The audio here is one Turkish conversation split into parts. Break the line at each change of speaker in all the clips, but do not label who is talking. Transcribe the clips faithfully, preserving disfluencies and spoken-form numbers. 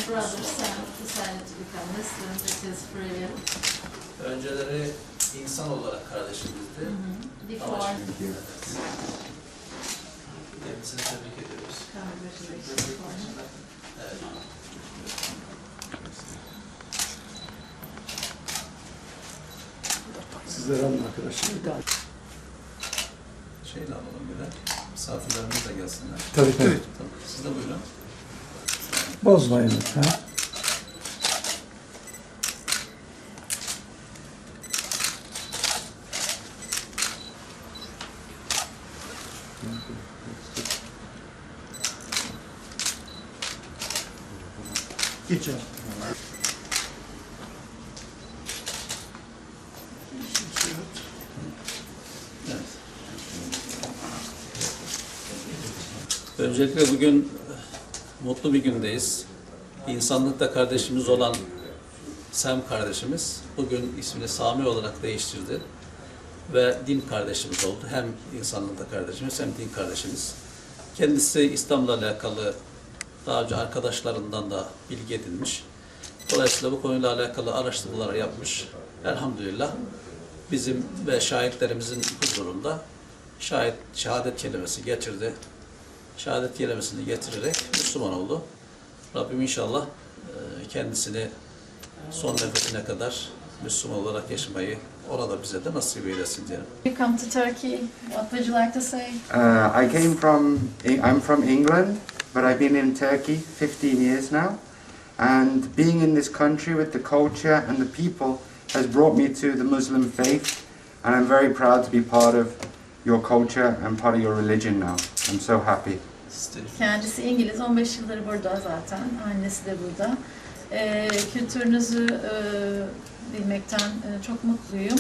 brothers and decided to become Muslim with his free will.
Önceleri insan olarak kardeşimizdi.
Before.
Ama şimdi kendisini tebrik ediyoruz.
Congratulations for him.
Evet.
Sizlere alın arkadaşlar.
Şeyle alalım bir de. Misafirlerimiz de gelsinler.
Tabii tabii.
Tamam. Siz de buyurun.
Bozmayın lütfen. Geçin.
Evet. Öncelikle bugün mutlu bir gündeyiz. İnsanlıkta kardeşimiz olan Sem kardeşimiz bugün ismini Sami olarak değiştirdi ve din kardeşimiz oldu. Hem insanlıkta kardeşimiz hem din kardeşimiz. Kendisi İslam'la alakalı daha önce arkadaşlarından da bilgi edinmiş. Dolayısıyla bu konuyla alakalı araştırmalar yapmış. Elhamdülillah bizim ve şahitlerimizin huzurunda şahit, şehadet kelimesi getirdi. Şehadet kelimesini getirerek Müslüman oldu. Rabbim inşallah kendisini son nefesine kadar Müslüman olarak yaşamayı ona da bize de nasip eylesin diyelim.
You come to Turkey, what would you like to say?
Uh, I came from, I'm from England, but I've been in Turkey fifteen years now. And being in this country with the culture and the people has brought me to the Muslim faith. And I'm very proud to be part of your culture and part of your religion now. I'm so happy.
Kendisi İngiliz, on beş yıldır burada zaten, annesi de burada. Ee, kültürünüzü e, bilmekten e, çok mutluyum.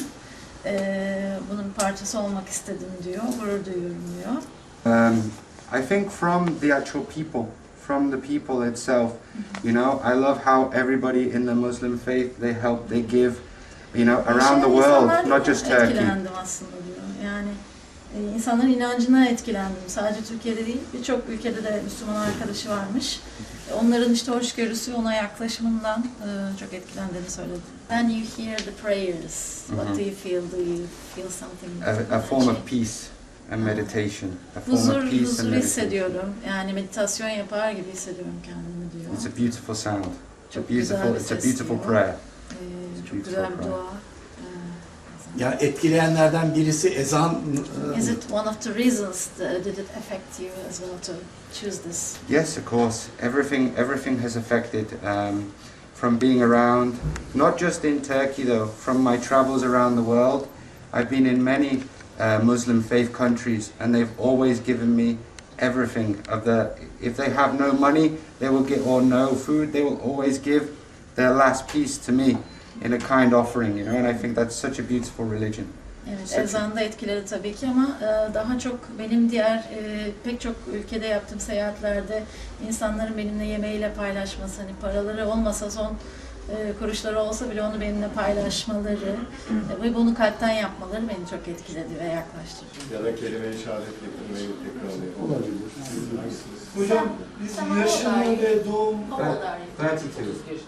E, bunun bir parçası olmak istedim diyor, gurur duyuyorum diyor.
Um, I think from the actual people, from the people itself, you know, I love how everybody in the Muslim faith, they help, they give, you know, around the world, not just Turkey.
Etkilendim aslında diyor. Yani e, insanların inancına etkilendim. Sadece Türkiye'de değil, birçok ülkede de Müslüman arkadaşı varmış. E, onların işte hoşgörüsü, ona yaklaşımından e, çok etkilendiğini söyledi. When you hear the prayers, what do you feel? Do you feel something?
A, a form of peace and meditation. A form
Huzur,
of peace and
huzur
meditation.
hissediyorum. Yani meditasyon yapar gibi hissediyorum kendimi diyor.
It's a beautiful sound. It's a
Çok güzel
beautiful,
bir
it's a
ses
beautiful
diyor.
prayer.
Ee, çok güzel bir dua. Ee,
Ya etkileyenlerden birisi ezan.
Is it one of the reasons that did it affect you as well to choose this?
Yes, of course. Everything, everything has affected um, from being around, not just in Turkey though, from my travels around the world. I've been in many uh, Muslim faith countries and they've always given me everything of the, if they have no money, they will get, or no food, they will always give their last piece to me in a kind offering, you know, and I think that's such a beautiful religion.
Evet,
Such a-
ezan da etkiledi tabii ki ama e, daha çok benim diğer e, pek çok ülkede yaptığım seyahatlerde insanların benimle yemeğiyle paylaşması, hani paraları olmasa son e, kuruşları olsa bile onu benimle paylaşmaları e, ve bunu kalpten yapmaları beni çok etkiledi ve yaklaştırdı.
Ya da kelime-i şehadet getirmeyi tekrarlayalım.
Olabilir.
Hocam biz yaşını ve doğum
thirty-two.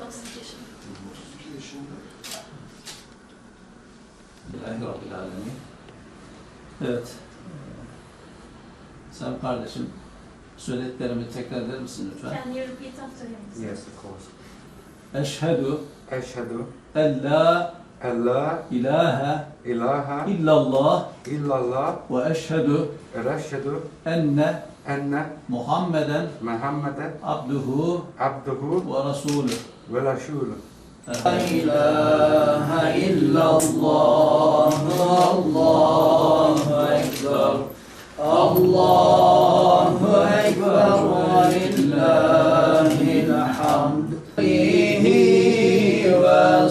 Bismillahirrahmanirrahim. Evet. Sen kardeşim söylediklerimi tekrar eder misin lütfen?
Can you repeat after him?
Yes, of course.
Eşhedü
Eşhedü
en la
en la
ilahe
ilahe
illallah
illallah
ve eşhedü
ve eşhedü
enne
enne
Muhammeden
Muhammeden
abduhu
abduhu
ve rasulü.
ve rasulü.
La ilahe illallah, Allahu ekber, Allahu ekber ve lillahil hamd. Alihi ve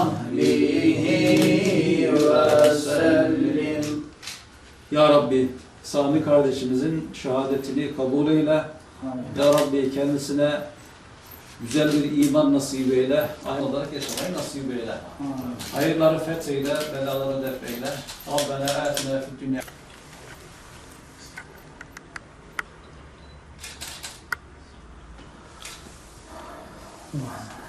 sahbihi ve sellim. Ya Rabbi, Sami kardeşimizin şehadetini kabul eyle. Ya Rabbi kendisine güzel bir iman nasip eyle, aynı olarak yaşamayı nasip eyle. Hayırları fetheyle, belaları def eyle. Rabbena atina fid dünya.
Wow.